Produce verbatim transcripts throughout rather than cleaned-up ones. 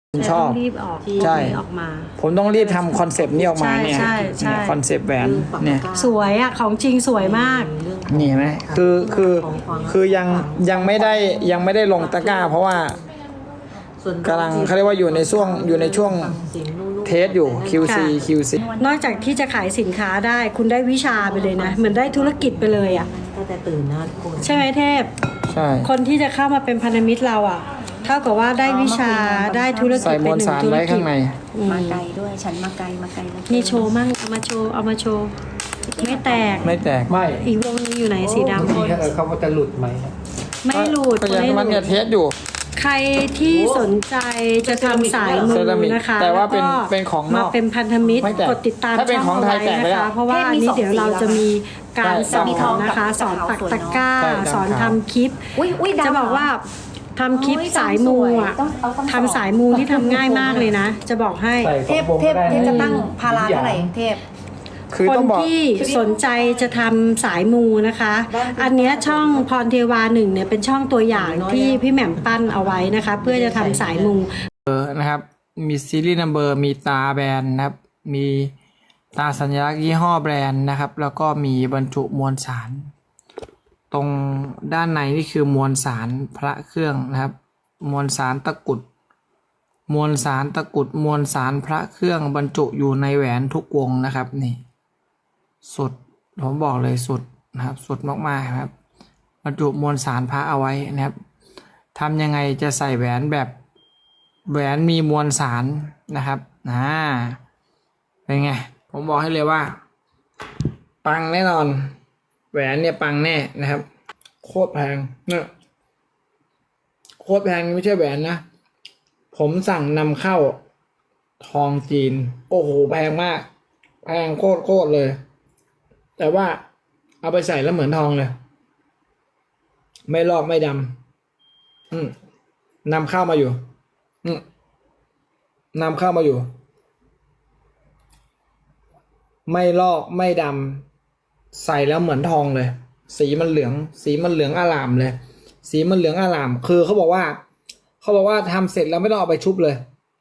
ผมชอบต้องรีบออกใช่ออกมาผมต้องรีบทำคอนเซปต์นี้ออกมาเนี่ยใช่ใช่คอนเซปต์แหวนเนี่ยสวยอ่ะของจริงสวยมากนี่เห็นไหมคือคือคือยังยังไม่ได้ยังไม่ได้ลงตะกร้า เพราะว่ากำลังเขาเรียกว่าอยู่ในช่วงอยู่ในช่วงเทสอยู่ คิว ซี คิว ซีนอกจากที่จะขายสินค้าได้คุณได้วิชาไปเลยนะ เหมือนได้ธุรกิจไปเลยอ่ะก็จะตื่นนะทุกคนใช่ไหมเทพใช่คนที่จะเข้ามาเป็นพันธมิตรเราอ่ะเท่ากับว่าได้วิชาได้ธุรกิใส่จมเป็นวลหนึ่สาง รธุรไว้กิข้าจงในอืมมาไกลด้วยฉันมาไกลมาไกลแล้วนี่โชว์มั่งเอามาโชว์เอามาโชว์ไม่แตกไม่แตกไม่อีกวงนึงอยู่ไหนสีดำบางทีเขาว่าจะหลุดไหมไม่หลุดก็ยังไม่หมันลุเนี่ยดเทสอยู่ใครที่สนใจจะทำสายมืเซอรามิกนะคะแต่ว่าเป็นล้ก็เป็นของนอกมาเป็นพันธมิตรไม่แตกกดติดตามถ้าเป็นช่ของไทยเาแตกไปไว้แล้นะวคะ เพราะว่าอันนี้เดี๋ยวเราจะมีการสอนมีทองกับนะคะ สอนปักตะกร้าใช่สอนดำขาวทำคลิปอุ้ยอุ้ยดำจะบอกว่าทำคลิปโอ้ยสายมูอ่ะต้องเอาต้องสอนทำสายมูที่ทำง่ายมากเลยนะ จะบอกให้ใส่เทพเทพเทพจะตั้งพาราเท่าไหร่เทพคือคต้อน งบอกที่สนใจจะทำสายมูนะคะ อันเนี้ยช่องพรเทวาหนึ่งเนี่ยเป็นช่องตัวอย่างที่พี่แหม่มปั้นเอาไว้นะคะ เพื่อจะทำสายมูนะครับ มีซีรีส์นัมเบอร์ มีตาแบรนด์นะครับ มีตาสัญลักษณ์ยี่ห้อแบรนด์นะครับ แล้วก็มีบรรจุมวลสาร ตรงด้านในนี่คือมวลสารพระเครื่องนะครับ มวลสารตะกรุด มวลสารตะกรุด มวลสารพระเครื่องบรรจุอยู่ในแหวนทุกวงนะครับนี่ สุด ผมบอกเลยสุดนะครับ สุดมากๆครับ บรรจุมวลสารพระเอาไว้นะครับทำยังไงจะใส่แหวนแบบแหวนมีมวลสารนะครับอ่าเป็นไง ผมบอกให้เลยว่า ปังแน่นอน แหวนเนี่ยปังแน่นะครับ โคตรแพงเนี่ยโคตรแพงไม่ใช่แหวนนะ ผมสั่งนำเข้าทองจีน โอ้โหแพงมาก แพงโคตรโคตรเลย แต่ว่าเอาไปใส่แล้วเหมือนทองเลย ไม่ลอกไม่ดำอืมนำเข้ามาอยู่ อืมนำเข้ามาอยู่ ไม่ลอกไม่ดำใส่แล้วเหมือนทองเลย สีมันเหลือง สีมันเหลืองอร่ามเลย สีมันเหลืองอร่าม คือเขาบอกว่า เขาบอกว่าทำเสร็จแล้วไม่ต้องเอาไปชุบเลย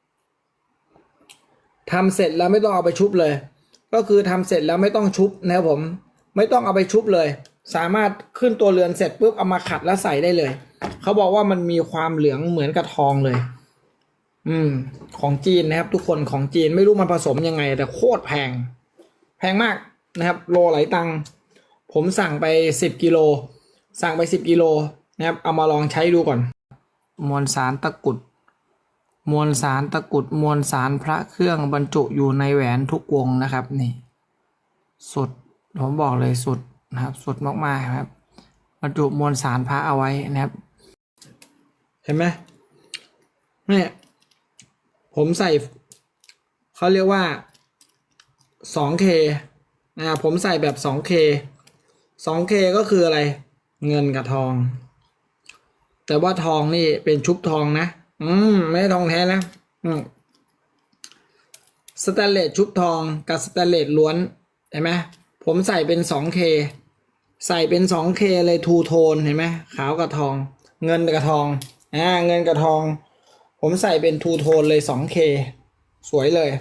ทำเสร็จแล้วไม่ต้องเอาไปชุบเลย ก็คือทำเสร็จแล้วไม่ต้องชุบนะครับผม ไม่ต้องเอาไปชุบเลย สามารถขึ้นตัวเรือนเสร็จปุ๊บเอามาขัดแล้วใส่ได้เลย เขาบอกว่ามันมีความเหลืองเหมือนกับทองเลย อืม ของจีนนะครับ ทุกคนของจีนไม่รู้มันผสมยังไง แต่โคตรแพง แพงมากนะครับ โลหลายตังค์ผมสั่งไปสิบกิโลสั่งไปสิบกิโลนะครับ เอามาลองใช้ดูก่อน มวลสารตะกรุด มวลสารตะกรุด มวลสารพระเครื่องบรรจุอยู่ในแหวนทุกวงนะครับนี่ สุด ผมบอกเลยสุดนะครับ สุดมากๆครับ บรรจุมวลสารพระเอาไว้นะครับ เห็นไหมเนี่ยผมใส่เขาเรียกว่า สองเค นะครับผมใส่แบบ สองเค สองเค ก็คืออะไร เงินกับทอง แต่ว่าทองนี่เป็นชุบทองนะ อืม ไม่ใช่ทองแท้นะ อืม สแตนเลสชุบทองกับสแตนเลสล้วน เห็นไหมผมใส่เป็น สองเค ใส่เป็น สองเค เลยทูโทน เห็นไหมขาวกับทอง เงินกับทอง อ่า เงินกับทอง ผมใส่เป็นทูโทนเลย สองเค สวยเลย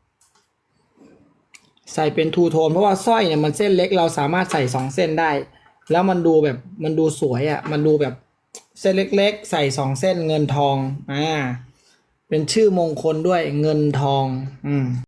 ใส่เป็นทูโทนเพราะว่าสร้อยเนี่ยมันเส้นเล็กเราสามารถใส่สองเส้นได้ แล้วมันดูแบบมันดูสวยอะ่ะมันดูแบบเส้นเล็กๆใส่สองเส้นเงินทองอ่าเป็นชื่อมงคลด้วยเงินทองอืม